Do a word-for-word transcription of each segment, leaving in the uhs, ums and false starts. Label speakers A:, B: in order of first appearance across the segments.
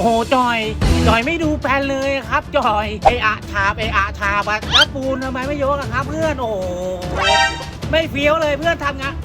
A: โอ้จอยจอยไม่ดูแฟนเลยครับจอยเออะชาเออะชาบัแล้วปูนทำไมไม่ยกอะครับเพื่อนโอ้ไม่เฟี้ยวเลยเพื่อนทำงาน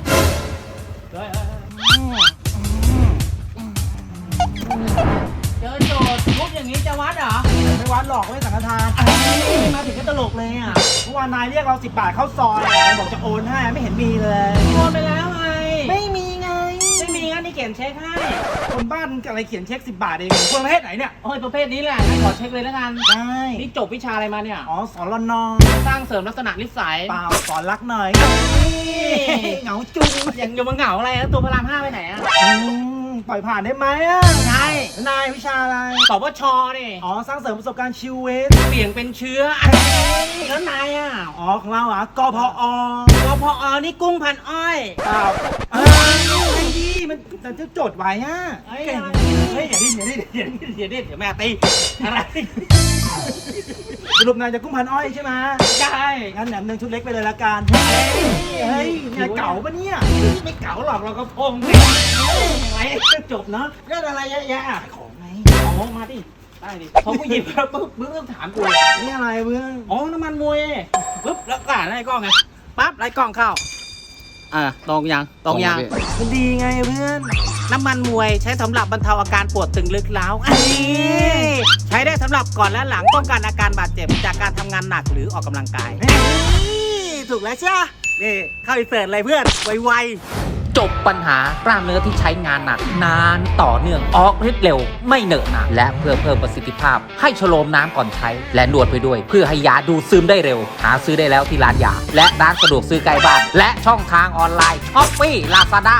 A: เจอโจทย์ทุบอย่างนี้จะวัดเหรอ
B: ไม่วัดหรอกไม่สังฆทาน
A: มาถึงก็ตลกเลยอ่ะ
B: เมื่อวานนายเรียกเราสิบบาทเข้าซอยบอกจะโอนให้ไม่เห็นมีเลย
A: โอนไปแล้วไง
B: ไม่มีไง
A: ไม่มีงั้นนี่เขียนเช็คให้
B: คนบ้านอะไรเขียนเช็คสิบบาทเองคนประเภทไหนเนี่ย
A: โอ้ยประเภทนี้แหละงั้นขอเช็คเลยแล้วกัน
B: ได้
A: นี่จบวิชาอะไรมาเนี่ย
B: อ๋อสอนรนอ
A: สร้างเสริมลักษณะนิสัย
B: เปล่าสอนรักหน่อยเหงาจุง
A: ยังยังมาเหงาอะไรแล้วตัวพระรามห้าไปไหนอ่ะ
B: ปล่อยผ่านได้ไหมอ่ะ
A: ใช่
B: นายวิชาอะไร
A: สปชนี่
B: อ๋อสร้างเสริมประสบการณ์ชีวิต
A: เปลี่ยนเป็นเชื้อแล้วนายอ่ะ
B: อ๋อของเราอ่ะกพอก
A: พอนี่กุ้งพันอ้อย
B: เปล่าเอ้ยดีมันแต่จะจดไว้อ่ะ
A: เฮ้ยเฮ้ยอย่าดิ้นอย่าดิ้นอย่าดิ้นอย่าดิ้นเดี๋ยวแม่ตีอะไร
B: สรุปนายจะกุ้งพันอ้อยใช่ไหม
A: ใช่
B: งั้นแหนมเนืองชุดเล็กไปเลยละกันเฮ้ยนายเก๋าปะเนี่ย
A: ไม่เก๋าหรอกเราก็พงอะไรจบเนาะเรื่องอะไรเยอะแยะ
B: ของไง
A: ของมาดิได้ดิพอกูหยิบแล้วปุ๊บมึงต้องถามกู
B: นี่อะไรเพื่อน
A: อ๋อน้ำมันมวยปุ๊บแล้วก็ไล่กล้องไงปั๊บไล่กล้องเข้าอ่าตรงยังตรงยัง
B: มันดีไงเพื่อน
A: น้ำมันมวยใช้สำหรับบรรเทาอาการปวดตึงลึกเล้าอันนี้ใช้ได้สำหรับก่อนและหลังป้องกันอาการบาดเจ็บจากการทำงานหนักหรือออกกำลังกายถูกแล้วใช่ไหมนี่เข้าอินเสิร์ตเลยเพื่อนไวๆจบปัญหากล้ามเนื้อที่ใช้งานหนักนานต่อเนื่องออกฤทธิ์เร็วไม่เหนอะหนะและเพื่อเพิ่มประสิทธิภาพให้ชโลมน้ำก่อนใช้และนวดไปด้วยเพื่อให้ยาดูดซึมได้เร็วหาซื้อได้แล้วที่ร้านยาและร้านสะดวกซื้อใกล้บ้านและช่องทางออนไลน์ช้อปปี้ลาซาด้า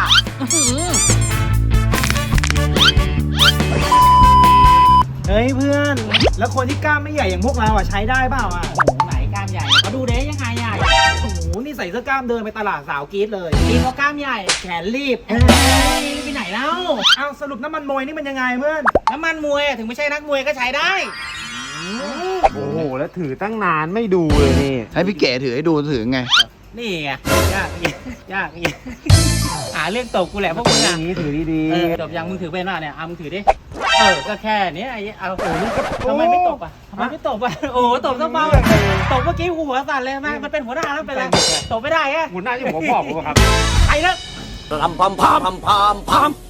B: เฮ้ยเพื่อนแล้วคนที่กล้ามไม่ใหญ่อย่างพวกเราอ่ะใช้ได้เปล่าอ่ะ
A: โอ้โหไหนกล้ามใหญ่เขาดูเด้ยังไงใหญ่
B: โอ้โหนี่ใส่เสื้อกล้ามเดินไปตลาดสาวกรี๊ดเลย
A: กินเพราะกล้ามใหญ่
B: แขนรีบ
A: ไปไหนแล้ว
B: อ้าวสรุปน้ำมันมวยนี่มันยังไงเพื่อน
A: น้ำมันมวยถึงไม่ใช่นักมวยก็ใช้ได้
C: โอ้โหแล้วถือตั้งนานไม่ดูเลยนี่
D: ให้พี่เก๋ถือให้ดูถือไง
A: นี่ไงยากยากหาเรื่องตกกูแหละพวกมึงอ่ะ
C: นี้ถือดี
A: ๆจบยังมึงถือเป็นป่ะเนี่ยเอามึงถือดิเออก็แค่นี้ไอ้เอาโอ้ยทำไมไม่ตบอ่ะทำไมไม่ตบอ่ะโอ้ตบซะเบาตบเมื่อกี้หัวสั่นเลยมามันเป็นหัวหน้าแล้วเป็นไรตบไม่ได้ฮะ
C: หัวหน้าที่ผมบอกผมครับ
A: ไอ้เลิก
D: พามพามพามพามพาม